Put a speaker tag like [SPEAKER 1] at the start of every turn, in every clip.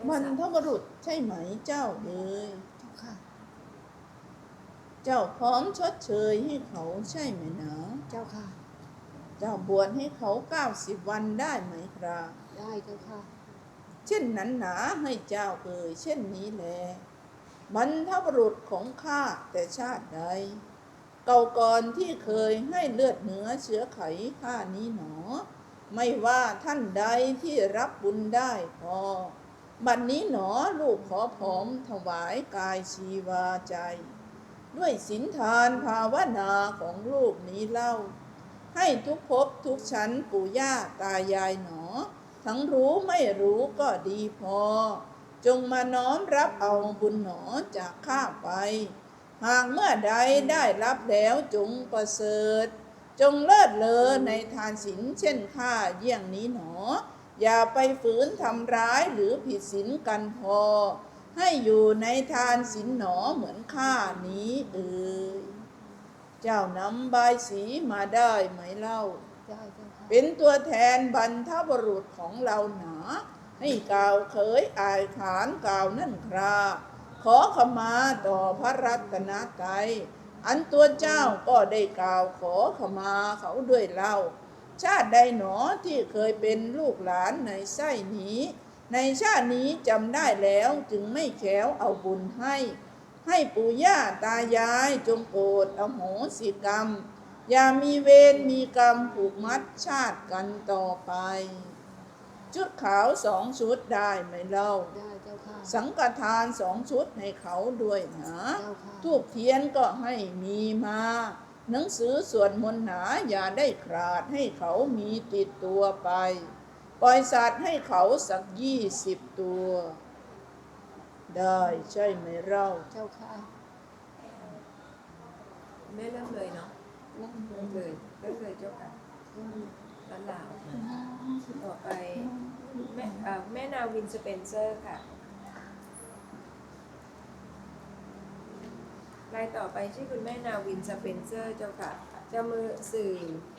[SPEAKER 1] บรรพบุรุษใช่ไหมเจ้าเอ๋ยเจ้าพร้อมชดเชยให้เขาใช่ไหมหนา
[SPEAKER 2] เจ้าค่ะ
[SPEAKER 1] เจ้าบวชให้เขา90 วันได้ไหมครับ
[SPEAKER 2] ได้เจ้าค่ะ
[SPEAKER 1] เช่นนั้นหนาให้เจ้าเอ๋ยเช่นนี้แลบรรพบุรุษของข้าแต่ชาติใดเก่าก่อนที่เคยให้เลือดเนื้อเชื้อไขข้านี้หนอไม่ว่าท่านใดที่รับบุญได้พอบัดนี้หนอลูกขอผอมถวายกายชีวาใจด้วยศีลทานภาวนาของลูกนี้เล่าให้ทุกภพทุกชั้นปู่ย่าตายายหนอทั้งรู้ไม่รู้ก็ดีพอจงมาน้อมรับเอาบุญหนอจากข้าไปหากเมื่อใดได้รับแล้วจงประเสริฐจงเลิศเลอในทานศีลเช่นข้าเยี่ยงนี้หนออย่าไปฝืนทำร้ายหรือผิดศีลกันพอให้อยู่ในทานศีลหนอเหมือนข้านี้เอ่ยเจ้านำบายสีมาได้ไหมเล่าเป็นตัวแทนบรรพบุรุษของเราหนาให้กล่าวเขยอายขานกล่าวนั่นคราขอขมาต่อพระรัตนตรัยอันตัวเจ้าก็ได้กล่าวขอขมาเขาด้วยเล่าชาติใดหนอที่เคยเป็นลูกหลานในไส้นี้ในชาตินี้จำได้แล้วจึงไม่แขวเอาบุญให้ปู่ย่าตายายจงโปรดอโหสิกรรมอย่ามีเวรมีกรรมผูกมัดชาติกันต่อไปชุดขาว2 ชุดได้ไหมเล่า
[SPEAKER 2] ได้เจ้าค่ะ
[SPEAKER 1] สังฆทาน2 ชุดให้เขาด้วยนะธูปเทียนก็ให้มีมาหนังสือสวดมนต์หนาอย่าได้ขาดให้เขามีติดตัวไปปล่อยสัตว์ให้เขาสัก20 ตัวได้ใช่ไหมเรา
[SPEAKER 2] เจ้าค่ะ
[SPEAKER 3] แม่เริ่มเลยเนาะเริ่มเลยเจ้าค่ะล้านลาวต่อไปแม่นาวินสเปนเซอร์ค่ะรายต่อไปชื่อคุณแม่นาวินสเปนเซอร์เจ้าค่ะจะมาสื่อ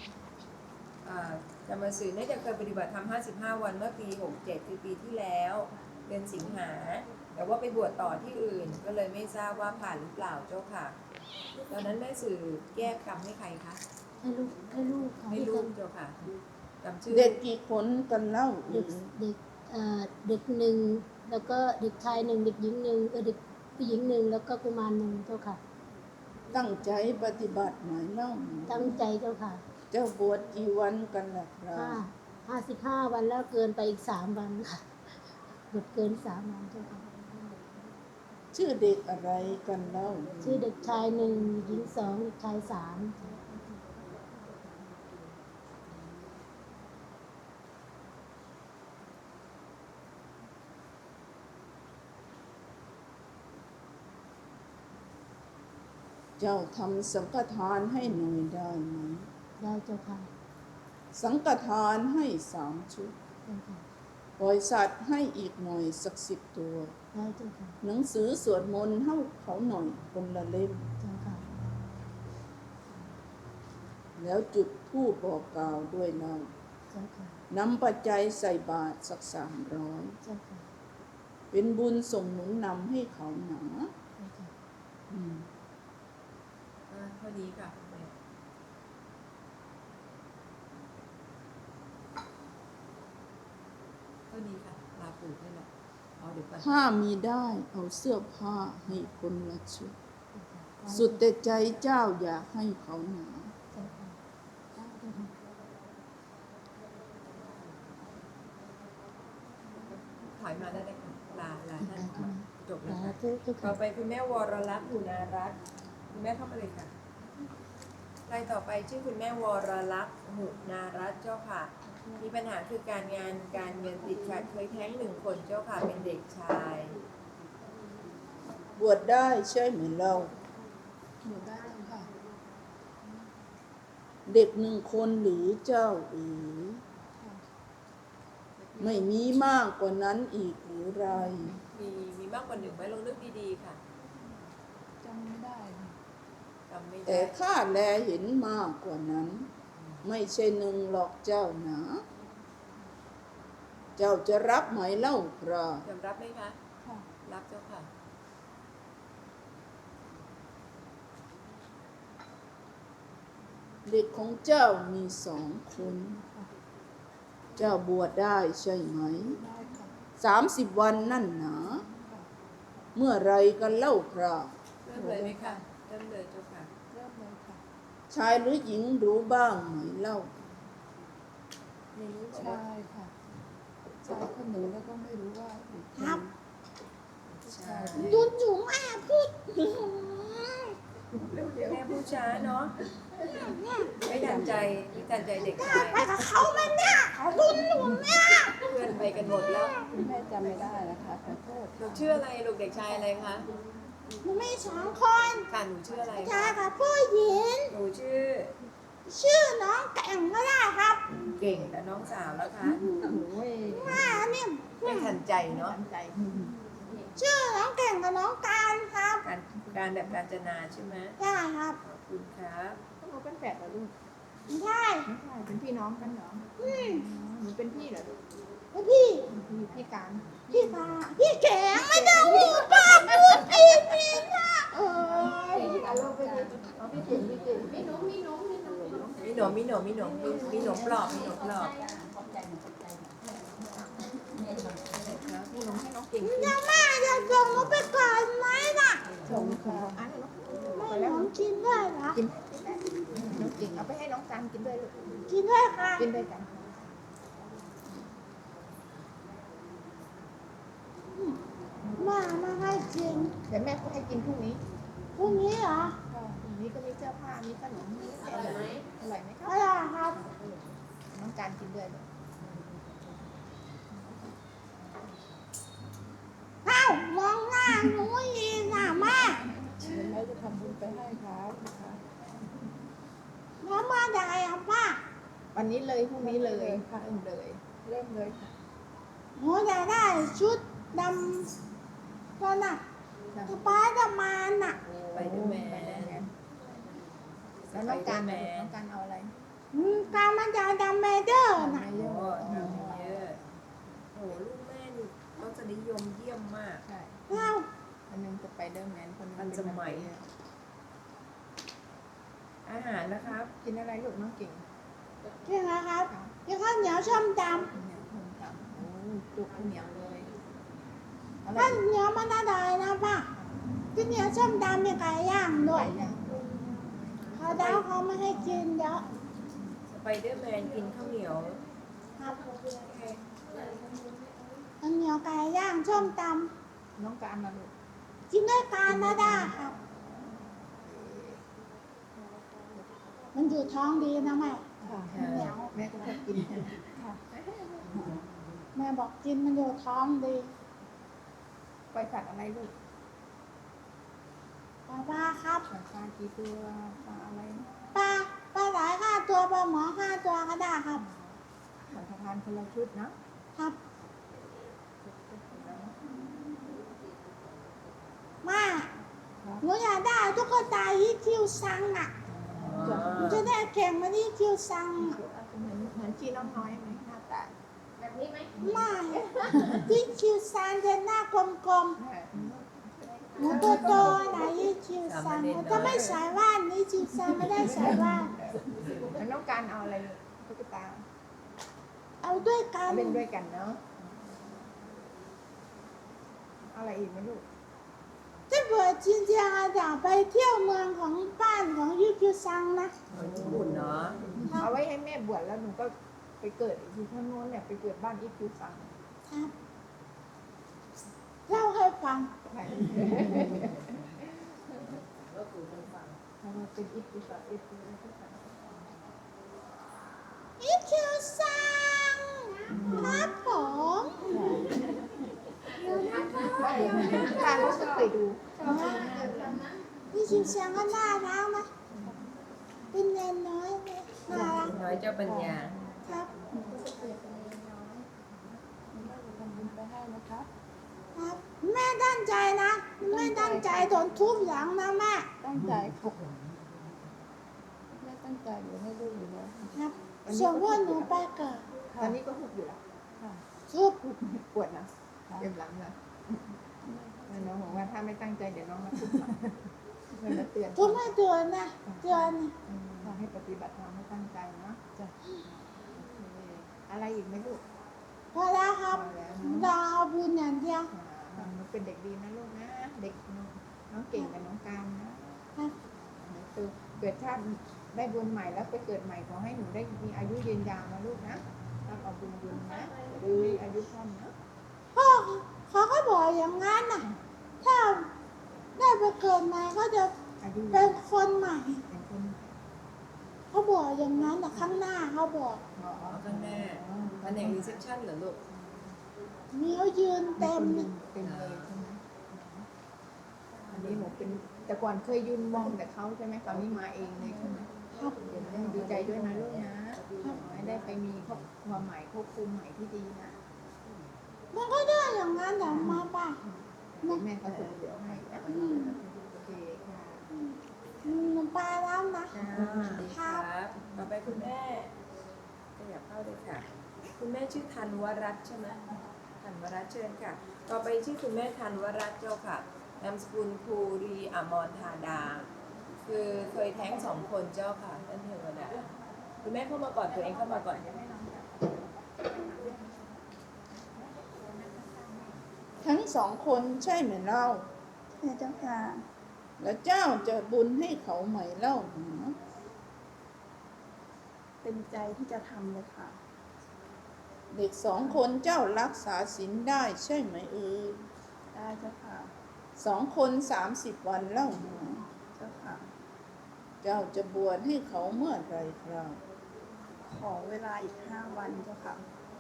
[SPEAKER 3] เนื่องจากเคยปฏิบัติธรรม55 วันเมื่อปี67คือปีที่แล้วเดือนสิงหาแต่ว่าไปบวชต่อที่อื่นก็เลยไม่ทราบว่าผ่านหรือเปล่าเจ้าค่ะตอนนั้นแม่สื่อแก้กรรมให้ใครคะ
[SPEAKER 2] ให้ลูก
[SPEAKER 3] ให้ลูกเจ้าค่ะจำชื่อ
[SPEAKER 1] เด็กกี่คนกันเล่า
[SPEAKER 2] เด็กหนึ่งแล้วก็เด็กชาย1เด็กหญิง1เด็กผู้หญิง1แล้วก็กุมาร1เจ้าค่ะ
[SPEAKER 1] ตั้งใจปฏิบัติไหมเล่า
[SPEAKER 2] ตั้งใจเจ้าค่ะ
[SPEAKER 1] เจ้าบวชกี่วันกันล่ะครับ
[SPEAKER 2] 55 วันแล้วเกินไปอีก3 วันค่ะบวชเกิน3 วันเจ้าค่ะ
[SPEAKER 1] ชื่อเด็กอะไรกันเล่า
[SPEAKER 2] ชื่อเด็กชาย1หญิง2เด็กชาย3
[SPEAKER 1] เจ้าทำสังฆทานให้หน่อยได้ไหม
[SPEAKER 2] ได้เจ้าค่ะ
[SPEAKER 1] สังฆทานให้3 ชุดปล่อยสัตว์ให้อีกหน่อยสัก10 ตัว
[SPEAKER 2] ได้เจ้าค่ะ
[SPEAKER 1] หนังสือสวดมนต์ให้เขาหน่อยคนละเล่ม
[SPEAKER 2] เจ้าค่ะ
[SPEAKER 1] แล้วจุดธูปบอกกล่าวด้วยเรา
[SPEAKER 2] เจ้าค่ะ
[SPEAKER 1] นำปัจจัยใส่บาตรสัก300
[SPEAKER 2] เจ้าค่ะ
[SPEAKER 1] เป็นบุญส่งหนุนนำให้เขาหนา
[SPEAKER 3] พอดีค่ะก็ดีค่ะลาปู่นี่แหละเดี๋ยวก่อน
[SPEAKER 1] ถ้ามีได้เอาเสื้อผ้าให้คนละชุดสุดแต่ใจเจ้าอยากให้เขาหนา
[SPEAKER 3] ถอยมาได้เลยค่ะลาท่านจบแล้วค่ะต่อไปคุณแม่วรรัตน์อุณารัตน์คุณแม่เข้ามาเลยค่ะรายต่อไปชื่อคุณแม่วรรัตน์หุนารัตน์เจ้าค่ะมีปัญหาคือการงานการเงินติดขัดเคยแท้ง1 คนเจ้าค่ะเป็นเด็กชาย
[SPEAKER 1] บวชได้ใช่ไหมเรา
[SPEAKER 2] บวชได้ค่ะ
[SPEAKER 1] เด็ก1 คนหรือเจ้าไม่มีมากกว่านั้นอีกหรือไร
[SPEAKER 3] มีมากกว่า1ไหมลองนึกดีๆค่ะ
[SPEAKER 2] จำไม่ได้
[SPEAKER 1] แต่ข้าแลเห็นมากกว่านั้นไม่ใช่1หรอกเจ้านะเจ้าจะรับไหมเล่าครับ
[SPEAKER 3] ยอมรับไหมคะรับเจ้าค่ะ
[SPEAKER 1] เด็กของเจ้ามี2 คน เจ้าบวชได้ใช่ไหม30 วันนั่นหนาเมื่อไรกันเล่าครับ
[SPEAKER 3] เริ่มเลยไหมคะเริ่มเลยเจ้าค่ะ
[SPEAKER 1] ชายหรือหญิงรู้บ้างไหมเล่า
[SPEAKER 3] ไม่รู้บอก
[SPEAKER 4] ใช่
[SPEAKER 3] ว่า
[SPEAKER 4] ค่ะชายคนหนึ่งแล้วก็ไม่รู้ว่าอีกคน
[SPEAKER 2] ครับ
[SPEAKER 3] ใช่
[SPEAKER 2] ดูจุ๋มแม่พูด
[SPEAKER 3] แม่ผู้ช้าเนาะไม่ทันใจเด็กชาย
[SPEAKER 2] ไปกับเขาไหมเนี่ยดูหนูแม่
[SPEAKER 3] เพื่อนไปกันหมดแล้ว
[SPEAKER 4] แม่จำไม่ได้แล้วค่ะขอโทษ
[SPEAKER 3] หนูชื่ออะไรลูกเด็กชายอะไรคะ
[SPEAKER 2] หนูมี2 คน
[SPEAKER 3] ค่ะหนูชื่ออะไร
[SPEAKER 2] ชา
[SPEAKER 3] คะ
[SPEAKER 2] ยกับผู้หญิง
[SPEAKER 3] หนูชื่อ
[SPEAKER 2] ชื่อน้องแก่งก็ได้ครับ
[SPEAKER 3] เก่งและน้องสาวแล้วคะ
[SPEAKER 4] โอ้ย
[SPEAKER 2] แม่นี่
[SPEAKER 3] ไม่ทันใจเนาะ
[SPEAKER 4] ตั้งใจ
[SPEAKER 2] ชื่อน้องแก่งกับน้องการครับ
[SPEAKER 3] การแบบการจนาใช่ไหม
[SPEAKER 2] ใช่ครับ
[SPEAKER 3] ขอบคุณครับ
[SPEAKER 4] หนูเป็นแฝดเหรอลูก
[SPEAKER 2] ใช่
[SPEAKER 4] ไม่ใช่เป็นพี่น้องกันเหรอหนูเป็นพี่เหรอลูก
[SPEAKER 2] แล้วพี่
[SPEAKER 4] พี่การ
[SPEAKER 2] พี่กาพี่แก่งไม่ต้องหูป้าพูดอีกทีนะเออ
[SPEAKER 4] เอาลูกไปดิเอาพี่เก่งพี่เก่งพี่น้อง
[SPEAKER 3] มีหนมปลอบมีหนมปลอบ
[SPEAKER 4] พี่น้องให้น้องเก่ง
[SPEAKER 2] อย่าแม่อย่าส่งหนูไปก่อนไหมน่ะ
[SPEAKER 4] ส่งค่ะอันนี้
[SPEAKER 2] ไม่หนูกินด้วยเหรอ
[SPEAKER 4] กินน้องเก่งเอาไปให้น้องการกินด้วยลูก
[SPEAKER 2] กินด้วยค่ะ
[SPEAKER 4] กินด้วยกัน
[SPEAKER 2] มาให้กิน
[SPEAKER 4] เดี๋ยวแม่ก็ให้กินพรุ่งนี้
[SPEAKER 2] พรุ่งนี้เหรอ
[SPEAKER 4] พรุ่งนี้ก็มีเสื้อผ้ามีขนมมีแกงอร่อยไหมครับ
[SPEAKER 2] อร่อยครับ
[SPEAKER 4] น้องการกินด้วยลูก
[SPEAKER 2] เอ้ามองหน้าหนูอีกน่ะแม่
[SPEAKER 4] เดี๋ยวแม่จะทำบุญไปให้ครับ
[SPEAKER 2] แล้วเมื่อใดอ่ะป้า
[SPEAKER 4] วันนี้เลยพรุ่งนี้เลยเริ่มเลยเริ่มเลยค่ะ
[SPEAKER 2] หนูจะได้ชุดดำตัวน่ะกระป้าจะมาน่ะ
[SPEAKER 3] ไปด้วยแม่
[SPEAKER 4] แล้วน้องการน้องการเอาอะไร
[SPEAKER 2] การมันจะดำเมเดอร์น่ะ
[SPEAKER 4] เย
[SPEAKER 3] โอ้
[SPEAKER 4] อะ
[SPEAKER 3] ทำเยอะโอ้ลูกแม่นี่รสนิยมเยี่ยมมาก
[SPEAKER 4] ใช่
[SPEAKER 2] เอ้า
[SPEAKER 4] คนนึงจะไปเดอร์แมนคนนึง
[SPEAKER 3] ทันสมัย อาหารนะครับ
[SPEAKER 4] กินอะไรลูกน้องเก่ง
[SPEAKER 2] ใช่ไหมครับกินข้าวเหนียวส้มต
[SPEAKER 4] เนี่ยคนทำโอ้จุกข้าวเหนียวเลยอะ
[SPEAKER 2] ำ
[SPEAKER 4] ไร
[SPEAKER 2] ข้าวเหนียวมันอร่อยนะป้าข้าวเหนียวส้มตำมีไก่ย่างด้ว
[SPEAKER 4] ไก่
[SPEAKER 2] ย
[SPEAKER 4] ย่าง
[SPEAKER 2] เขาดาวเขาไม่ให้กินเยอะ
[SPEAKER 3] สไปเดอร์แมนกินข้าวเหนียว
[SPEAKER 2] ครับข้าวเหนียวไก่ย่างส้มต
[SPEAKER 4] น้องการมาลูก
[SPEAKER 2] ำกินด้วยกันนะด้าครับ มันอยู่ท้องดีนะแม่
[SPEAKER 4] ค่ะ
[SPEAKER 2] เหนียว
[SPEAKER 4] แม่ก็ชอบกินค่ะ
[SPEAKER 2] แม่บอกกินมันอยู่ท้องดี
[SPEAKER 4] ไปผัดอะไรลูก
[SPEAKER 2] ป้าครับ
[SPEAKER 4] ผัดปลากี่ตัวปลาอะไร
[SPEAKER 2] ปลาหลาย5 ตัวปลาหมอ5 ตัวก็ได้ครับ
[SPEAKER 4] สังฆทานคนละชุดนะครับ
[SPEAKER 2] มาหนูอยากได้ตุ๊กตายี่คิวซังอ่ะหนูจะได้เก่งมาที่คิวซังอะ
[SPEAKER 4] เหมือนชีน้องน้อยไหมหน้าตา
[SPEAKER 2] ไม่ที่คิวซังจะหน้ากลมๆหนูตัวโตๆนะยี่คิวซังมันจะไม่ใส่ว่านนี่คิวซังไม่ได้ใส่ว่าน
[SPEAKER 4] แล้วน้องการเอาอะไรลูกตุ๊กตา
[SPEAKER 2] เอาด้วยกัน
[SPEAKER 4] เล่นด้วยกันเนาะเอาอะไรอีกไหมลูก
[SPEAKER 2] ถ้าเผื่อจริงๆอะอยากไปเที่ยวเมืองของบ้านของยี่คิวซังนะ
[SPEAKER 3] คนญี่ปุ่นเนาะ
[SPEAKER 4] เอาไว้ให้แม่บวชแล้วหนูก็ไปเกิดอยู่ข้างโน้นเนี่ยไปเกิดบ้านอีคิวซัง
[SPEAKER 2] ครับเล่าให้ฟัง
[SPEAKER 4] ใช่เพราะว่าเป็นอีคิวซังอีคิวซัง
[SPEAKER 2] ยี่คิวซังครับผม
[SPEAKER 4] การก็เคยดู
[SPEAKER 2] ยี่คิวซังก็น่ารักนะเป็นเนนน้อยเลยน่ารัก
[SPEAKER 3] น้อยเจ้าปัญญา
[SPEAKER 2] ครับ
[SPEAKER 4] ทำบุญไปให้นะครับ
[SPEAKER 2] ครับแม่ตั้งใจนะแม่ตั้งใจโดนทุบหลังนะแม่
[SPEAKER 4] ตั้งใจครับแม่ตั้งใจอยู่ให้ลูกอยู่แล้ว
[SPEAKER 2] ครับส่วนว่าหนูไปเกิด
[SPEAKER 4] ตอนนี้ก็หุบอยู่แล้ว
[SPEAKER 2] สทุบ
[SPEAKER 4] ปวดนะเจ็บหลังนะน้องบอกว่าถ้าไม่ตั้งใจเดี๋ยวน้องมาทุบหลังเพื่อนมาเตือน
[SPEAKER 2] ทุบไม่เตือนนะเตือนนะ
[SPEAKER 4] เราให้ปฏิบัติธรรมให้ตั้งใจนะจ้ะอะไรอีกไหมลูก
[SPEAKER 2] พอแล้วครับ
[SPEAKER 4] พอแล้ว
[SPEAKER 2] เราเอาบุญอย่างเดียว
[SPEAKER 4] หนูเป็นเด็กดีนะลูกนะ เด็กน้องเก่งกับน้องการนะครับ เกิดชาติได้บุญใหม่แล้วไปเกิดใหม่ขอให้หนูได้มีอายุยืนยาวนะลูกนะรับเอาบุญนะหรือมีอายุค่ำนะ
[SPEAKER 2] พ่อเขาก็บอกอย่างนั้นน่ะ ถ้าได้ไปเกิดใหม่ก็จะ
[SPEAKER 4] อายุ
[SPEAKER 2] เป็นคนใหม่
[SPEAKER 4] เป็นคน
[SPEAKER 2] เขาบอกอย่างนั้นแต่ข้างหน้าเขาบอก
[SPEAKER 3] อ๋อข้างหน้าแผนกรีเซพชันเหรอลูก
[SPEAKER 2] มีเขายืนเต็มเลย
[SPEAKER 4] เต็มเลยใช่ไหมอันนี้หนูเป็นแต่ก่อนเคยยืนมองแต่เขาใช่ไหมตอนนี้มาเองเลยใช่ไหม
[SPEAKER 2] ครับ
[SPEAKER 4] เดี๋ยวแม่ดีใจด้วยนะลูกนะขอให้ได้ไปมีครอบครัวใหม่ครอบครัวใหม่ที่ดีนะ
[SPEAKER 2] มันก็ได้อย่างนั้นแต่มาป่ะ
[SPEAKER 4] เดี๋ยวแม่ก็ส่งเดี๋ยวให้นะโอเคค่ะ
[SPEAKER 2] มันไปแล้วนะ
[SPEAKER 3] ดีครับ ต่อไปคุณแม่ขยับเข้าเลยค่ะ คุณแม่ชื่อธันวรัตน์ใช่ไหมธันวรัตน์เชิญค่ะ ต่อไปชื่อคุณแม่ธันวรัตน์เจ้าค่ะ นามสกุลภูรีอมรธาดา คือเคยแท้ง2 คนเจ้าค่ะท่านเทวดา คุณแม่เข้ามาก่อนตัวเองเข้ามาก่อน
[SPEAKER 1] ทั้ง2 คนใช่ไหมเล่า
[SPEAKER 2] ใช่เจ้าค่ะ
[SPEAKER 1] แล้วเจ้าจะบุญให้เขาไหมเล่าหนา
[SPEAKER 2] เต็มใจที่จะทำเลยค่ะ
[SPEAKER 1] เด็ก2 คนเจ้ารักษาศีลได้ใช่ไหม
[SPEAKER 2] ได้เจ้าค่ะ
[SPEAKER 1] 2 คน 30 วันเล่าหนา
[SPEAKER 2] เจ้าค่ะ
[SPEAKER 1] เจ้าจะบวชให้เขาเมื่อไรครับ
[SPEAKER 2] ขอเวลาอีก5 วันเจ้าค่ะ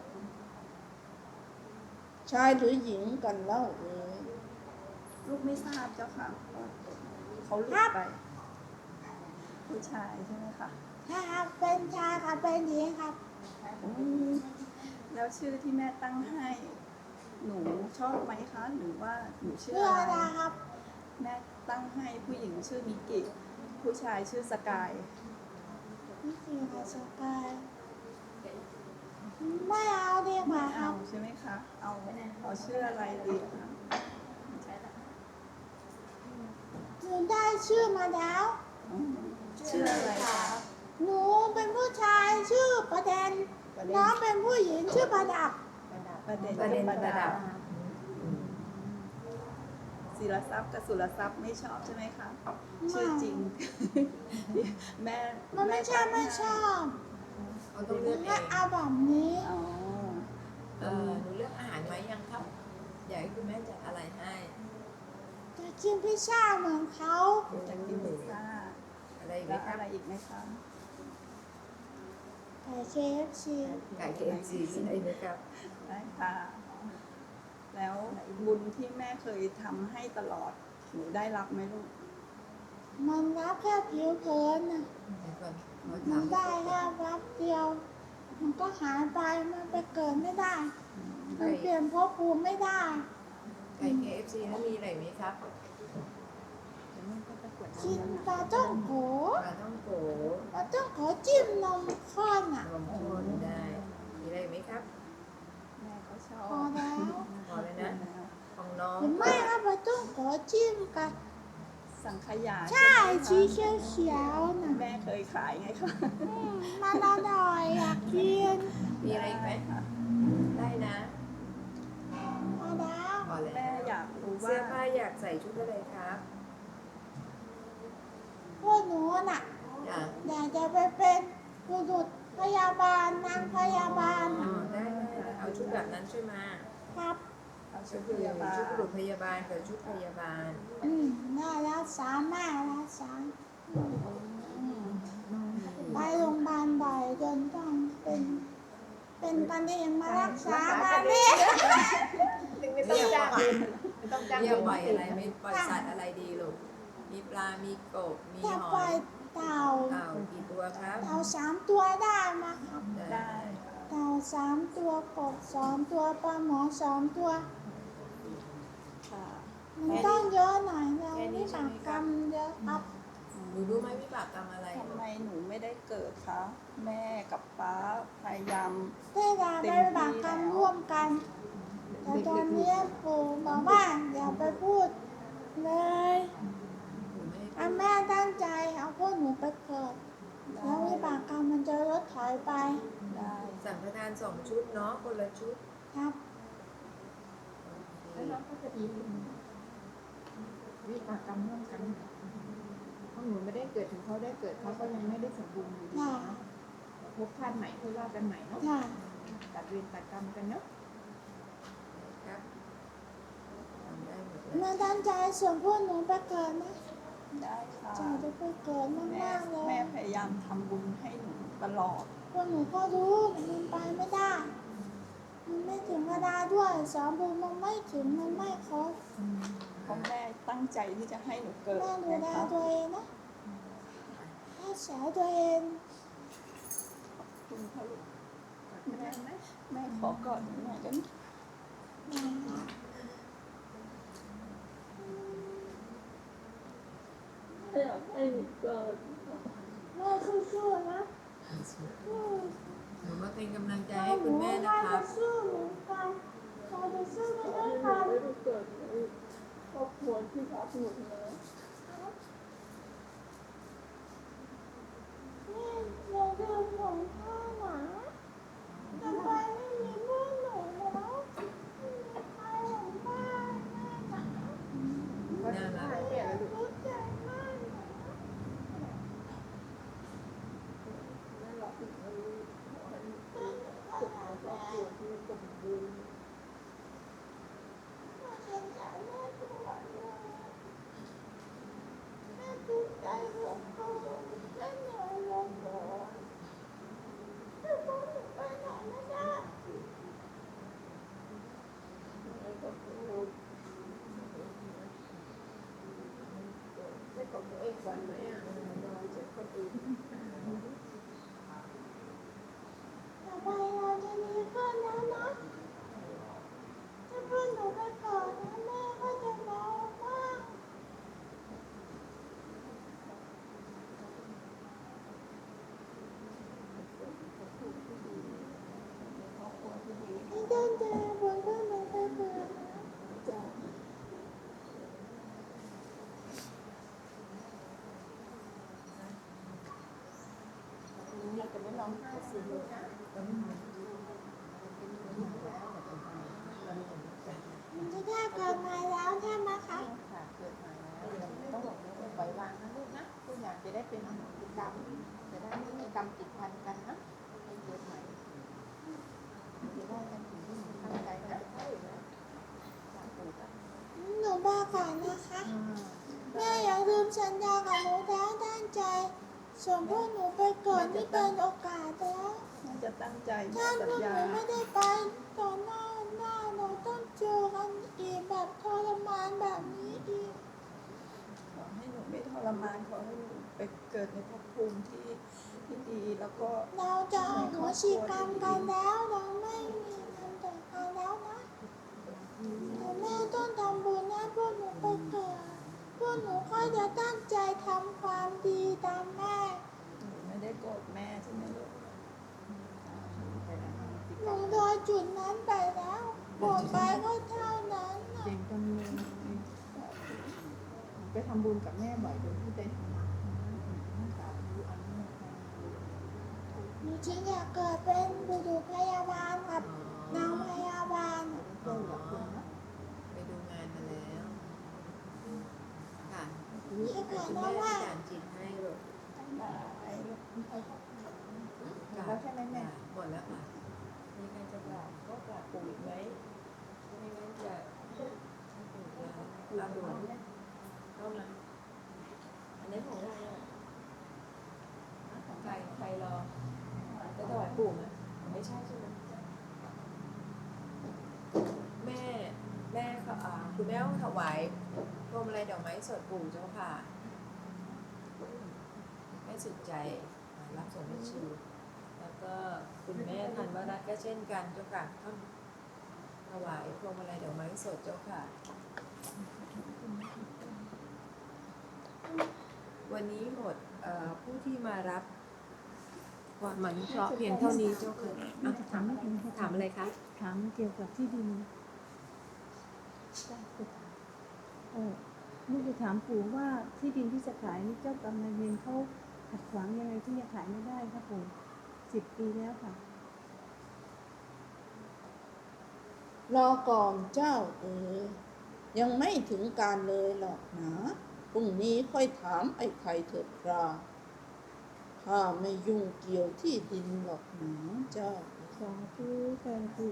[SPEAKER 1] ชายหรือหญิงกันเล่า
[SPEAKER 2] ลูกไม่ทราบเจ้าค่ะ เขาหลุดไป ผู้ชายใช่ไหมคะครับเป็นชายค่ะเป็นหญิงครับ
[SPEAKER 5] แล้วชื่อที่แม่ตั้งให้ หนูชอบไหมคะ หรือว่าหนูชื่อ
[SPEAKER 2] เพื่อ
[SPEAKER 5] อะ
[SPEAKER 2] อะไร
[SPEAKER 5] ไร
[SPEAKER 2] ครับ
[SPEAKER 5] แม่ตั้งให้ผู้หญิงชื่อมิกิ ผู้ชายชื่อสกาย
[SPEAKER 2] นี่คืออะไรสกายไม่เอาดีกว่าค
[SPEAKER 5] เอา
[SPEAKER 2] รับ
[SPEAKER 5] ใช่ไหมคะ เอาชื่ออะไรดีคะ
[SPEAKER 2] หนูได้ชื่อมาแล้ว
[SPEAKER 5] อืมชื่ออะไรคะ
[SPEAKER 2] หนูเป็นผู้ชายชื่อประเด็น น้องเป็นผู้หญิงชื่อประดับ
[SPEAKER 5] ประเด็น
[SPEAKER 3] ประเด็น
[SPEAKER 5] ประ
[SPEAKER 3] ประดั
[SPEAKER 5] ดับบ ศิลทรัพย์กับสุรทรัพย์ไม่ชอบใช่ไหมคะ ชื่อจริง แม่
[SPEAKER 2] มันไม่ใช่ไม่ชอบ
[SPEAKER 3] เขาต้องเลือกเอ
[SPEAKER 2] ไม่
[SPEAKER 3] ง
[SPEAKER 2] เอาแบบนี้
[SPEAKER 5] อ๋อ
[SPEAKER 3] หนูเลือกอาหารไว้ยังครับ อยากให้คุณแม่จัดอะไรให้
[SPEAKER 2] จะกินพิซซ่าเหมือนเขา
[SPEAKER 5] จะกินพิซซ่า
[SPEAKER 3] อะไรอีกไหม
[SPEAKER 5] แล้ว
[SPEAKER 3] ครั
[SPEAKER 5] อะ
[SPEAKER 3] บ
[SPEAKER 5] ไรอีกไหมคะ
[SPEAKER 2] ไก่ KFC
[SPEAKER 3] ไก่ KFC ใช่ไหมครับ
[SPEAKER 5] ได้ค่ะ แล้วบุญที่แม่เคยทำให้ตลอด หนูได้รับไหมลูก
[SPEAKER 2] มันรับแค่ผิวเผินน่ะ
[SPEAKER 3] เดี๋ยวก่อนขอ
[SPEAKER 2] มั
[SPEAKER 3] ถาน ม
[SPEAKER 2] ได้แค่แป๊บเดียว มันก็หายไป มันไปเกิดไม่ได้ มันเปลี่ยนภพภูมิไม่ได้
[SPEAKER 3] ไก่ KFC แล้วมีอะไรไหมครับ
[SPEAKER 2] กินปลาต้องโก
[SPEAKER 3] ปลาท่องโก
[SPEAKER 2] ปลาต้องโกจิ้มนมข้นอ่ะ
[SPEAKER 3] นมข้นได้ มีอะไรไหมครับ
[SPEAKER 5] แม่ก็ชอ
[SPEAKER 2] พอบ แล้ว
[SPEAKER 3] พอเลยนะ ของน้อง
[SPEAKER 2] หรือไม่ก็ปลาต้องโกจิ้มกับ
[SPEAKER 5] สังขยา
[SPEAKER 2] ใช่
[SPEAKER 5] ไหม
[SPEAKER 2] ชี
[SPEAKER 5] คะ
[SPEAKER 2] เขียวๆน่ะ
[SPEAKER 5] แม่เคยขายไงคะ
[SPEAKER 2] มันอร่อยอยากกิน
[SPEAKER 3] มีอะไรอีกไหม ได้นะ
[SPEAKER 2] พอแล้ว
[SPEAKER 3] พอแล้ว
[SPEAKER 5] แม่อยากรู้ว่า
[SPEAKER 3] เสื้อผ้าอยากใส่ชุดอะไรครับ
[SPEAKER 2] พวกหนูน่ะ
[SPEAKER 3] จ้ะ
[SPEAKER 2] อยากจะไปเป็นบุรุษพยาบาลนางพยาบาล
[SPEAKER 3] อ๋อ
[SPEAKER 2] น่ะ
[SPEAKER 3] ได้เอาชุดแบบนั้นใช่ไหม
[SPEAKER 2] ครับ
[SPEAKER 5] เอาชุ
[SPEAKER 3] ก็
[SPEAKER 5] ด
[SPEAKER 3] คือ
[SPEAKER 5] พยาบาล
[SPEAKER 3] ชุดบุรุษพยาบาลกับชุดพยาบาล
[SPEAKER 2] น่ารักษาแม่รักษาไปโรงพยาบาลบ่อยจนต้องเป็นกันเองมารักษาบ้านนี่
[SPEAKER 4] ไม่ต้องจ้างเองไม่ต้องจ้าง
[SPEAKER 3] เรียกปล่อย
[SPEAKER 4] เ
[SPEAKER 3] อะไรไม่ปล่อยสัตว์อะไรดีลูก มีปลา มีกบ มี
[SPEAKER 2] ถ้า
[SPEAKER 3] ห
[SPEAKER 2] ป
[SPEAKER 3] อ
[SPEAKER 2] ล่อย ยเต่า
[SPEAKER 3] เต่ากี่ตัวครับ
[SPEAKER 2] เต่า3 ตัวได้มาครับ
[SPEAKER 5] ได้ค่ะ
[SPEAKER 2] เต่า3 ตัวกบ2 ตัวปลาหมอ2 ตัว
[SPEAKER 5] ค่ะ
[SPEAKER 2] มันต้องเยอะหน่อยเราไม่ปากกรรมเยอะครับ
[SPEAKER 3] หนูรู้ไหมวิบากกรรมอะไร
[SPEAKER 5] ทำไมหนูไม่ได้เกิดกิดคะแม่กับป้าพยายาม
[SPEAKER 2] ได้ดาไปบากกรรมร่วมกัน แต่ตอนนี้ปู่บอกว่าอย่าไปพูดเลย
[SPEAKER 3] หนูไม่
[SPEAKER 2] ถ้าแม่ตั้งใจเอาพวกหนูไปเกิดแล้ววิบากกรรมมันจะลดถอยไป
[SPEAKER 5] ได้
[SPEAKER 3] สังฆทาน2 ชุดเนาะคนละชุด
[SPEAKER 2] ครับ
[SPEAKER 4] แล้วน้องก็จะมีวิบากกรรมร่วมกันเพราะหนูไม่ได้เกิดถึงเขาได้เกิดเขาก็ยังไม่ได้สมบูรณ์อยู่ดี
[SPEAKER 2] ค่ะ
[SPEAKER 4] นะพบชาติใหม่ค่อยว่ากันใหม่เนาะ
[SPEAKER 2] ค่ะ
[SPEAKER 4] ตัดเวรตัดกรรมกันเนาะ
[SPEAKER 3] ครับทำได้หมดเลย
[SPEAKER 2] แม่ตั้งใจส่วนพวกหนูไปเกิดนะ
[SPEAKER 5] ได้ค่ะ
[SPEAKER 2] ใจจะไปเกิด
[SPEAKER 5] แม่
[SPEAKER 2] มากๆเล
[SPEAKER 5] แม่
[SPEAKER 2] ย
[SPEAKER 5] พยายามทำบุญให้หนูตลอด
[SPEAKER 2] พวกหนูก็รู้มันไปไม่ได้ มันไม่ถึงเวลาด้วยสองบุญมันไม่ถึงมันไม่ครบ
[SPEAKER 5] เพราะแม่ตั้งใจที่จะให้หนูเกิด
[SPEAKER 2] แม่ดู
[SPEAKER 5] นะ
[SPEAKER 2] แล
[SPEAKER 5] คะ
[SPEAKER 2] ตัวเองนะรักษาตัวเอง
[SPEAKER 5] คุณพ่อลูกแม่ขอกอดหนูหน่อยได้ไหมอยากให้หนูเกิด
[SPEAKER 2] แม่สู้ๆนะสู้
[SPEAKER 3] หนูมาเป็นกำลังใจให้คุณแม่นะค
[SPEAKER 2] เรา
[SPEAKER 3] รับ
[SPEAKER 2] จะสู้เหมือนกันเราจะสู้ไปด้วยกัน
[SPEAKER 5] ได้เกิดในครอบครัวที่รักหนูนะ
[SPEAKER 2] แม่อย่าลืมของพ่อนะทำไมไม่มีพวกหนูแล้วไม่มีใครของบ้านแม่นะ
[SPEAKER 3] น่ารัก
[SPEAKER 4] เปลี่ยนแล้วลูก
[SPEAKER 2] รู้ใจมากนะ
[SPEAKER 5] แม่รักหนูนะลูกขอให้หนูเกิดในครอบครัวที่สมบูรณ์
[SPEAKER 2] แม่สงสารแม่ทุกวันเลยแม่ทุกข์ใจเหลือเกินแม่เหนื่อยเหลือเกินแต่พวกหนูไปไหนไม่ได้
[SPEAKER 5] แม่ก็พูดไม่ขอตัวเองฝันไหมอ่ะนอนเจ็บคนอื่น
[SPEAKER 2] ต่อไปเราจะดีขึ้นแล้วนะถ้าพวกหนูไปก่อนนะแม่ก็จะเมามาก
[SPEAKER 5] ครอบครัวที่ดี
[SPEAKER 2] ให้ตั้งใจบนพวกหนูไปเกิดนะ
[SPEAKER 5] จ้ะอยากจะไม่ร้องไห้สิลูกนะ
[SPEAKER 2] มันจะได้เกิดใหม่แล้วใช่ไหมคะ
[SPEAKER 4] ค่ะเกิดมาแล้วต้องบอกว่าปล่อยวางนะลูกนะทุกอย่างจะได้เป็นอโหสิกรรมจะได้ไม่มีกรรมติดพันกันนะให้เกิดใหม่จะได้กันถึงที่หนูตั้งใจนะจากปู่กัน
[SPEAKER 2] หนูบ้าก่อนนะคะ แม่อย่าลืมสัญญากับหนูแล้วตั้งใจส่งพวกหนูไปเกิดที่เป็นโอกาสแล้ว
[SPEAKER 5] แม่จะตั้งใจแม่
[SPEAKER 2] ถ้า
[SPEAKER 5] สั
[SPEAKER 2] พ
[SPEAKER 5] ญ
[SPEAKER 2] วกห
[SPEAKER 5] ญา
[SPEAKER 2] นูไม่ได้ไปต่อหน้าเราต้องเจอกันอีกแบบทรมานแบบนี้อีก
[SPEAKER 5] ขอให้หนูไม่ทรมานขอให้หนูไปเกิดในภพภูมิที่ดีแล้วก็
[SPEAKER 2] เราจะเอาหัวฉีกกรรมกันแล้วเราไม่มีกรรมต่อกันแล้วนะแต่แม่ต้องทำบุญให้พวกหนูไปเกิดพวกหนูก็จะตั้งใจทำความดีตามแม่
[SPEAKER 5] หนูไม่ได้โกรธแม่ใช่ไหมลูก
[SPEAKER 2] หนูโดยจุดนั้นไปแล้วหมดไปก็เท่านั้นน่ะ
[SPEAKER 4] เก่งจังเลยไปทำบุญกับแม่บ่อยโดยที่ใจทำงานสาธุอนุโมทนา
[SPEAKER 2] หนูจึงอยากเกิดเป็นบุรุษพยาบาลกับนางพยาบาล
[SPEAKER 4] เจ้าอยากเป็นนะ
[SPEAKER 3] ไปดูงานมาแล้วค่ะ
[SPEAKER 2] ที่ผ่าน
[SPEAKER 3] คุณ
[SPEAKER 2] มา
[SPEAKER 3] แม่
[SPEAKER 2] ว่า
[SPEAKER 3] จานจิตให้ลูก
[SPEAKER 4] แล้วใช่ไหมแม่
[SPEAKER 3] หมดแล้วค่ะมีใครจะกราบก็กราบปู่อีกไหมไม่งั้นจะอาบุญเข้ามาอันนี้ของเราเนี่ยของใครรอจะถวายปู่ไหมไม่ใช่ใช่ไหมแม่เขาคุณแม่ถวายพวงมาลัยดอกไม้สดปู่เจ้าค่ะแม่สุดใจรับส่งแม่ชีแล้วก็คุณแม่ธันวรัตน์ก็เช่นกันเจ้าค่ะท่านถวายพวงมาลัยดอกไม้สดเจ้าค่ะ วันนี้หมดผู้ที่มารับความหมายเพราะห์เพียงเท่านี้เจ้าค่ะอ่ะ
[SPEAKER 6] ถามไม่เป็น
[SPEAKER 3] ถามอะไรคะ
[SPEAKER 6] ถามเกี่ยวกับที่ดินลูกจะถามปู่ว่าที่ดินที่จะขายนี่เจ้ากรรมนายเวรเขาขัดขวางยังไงที่จะขายไม่ได้ครับปู่10 ปีแล้วค่ะ
[SPEAKER 1] รอก่อนเจ้ายังไม่ถึงการเลยหรอกนะพรุ่งนี้ค่อยถามไอ้ไข่เถิดคราข้าไม่ยุ่งเกี่ยวที่ดินหรอกนะเจ้า
[SPEAKER 6] สาธุสาธุ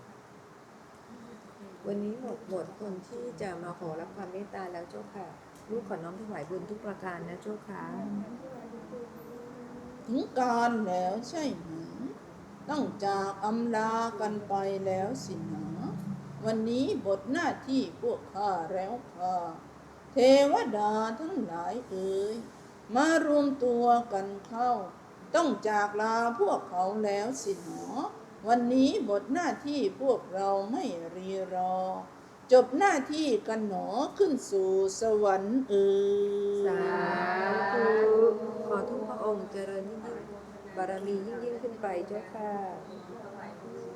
[SPEAKER 3] วันนี้หมดคนที่จะมาขอรับความเมตตาแล้วเจ้าค่ะ ลูกขอน้อมถวายบุญทุกประการนะเจ้าค่ะ
[SPEAKER 1] ถึงการแล้วใช่ไหมต้องจากอำลากันไปแล้วสินะวันนี้บทหน้าที่พวกข้าแล้วค่ะเทวดาทั้งหลายมารวมตัวกันเข้า ต้องจากลาพวกเขาแล้วสินะวันนี้บทหน้าที่พวกเราไม่รีรอ จบหน้าที่กันหนอขึ้นสู่สวรรค์
[SPEAKER 3] สาธุขอทุกพระองค์เจริญยิ่งบารมียิ่งขึ้นไปเจ้าค่ะ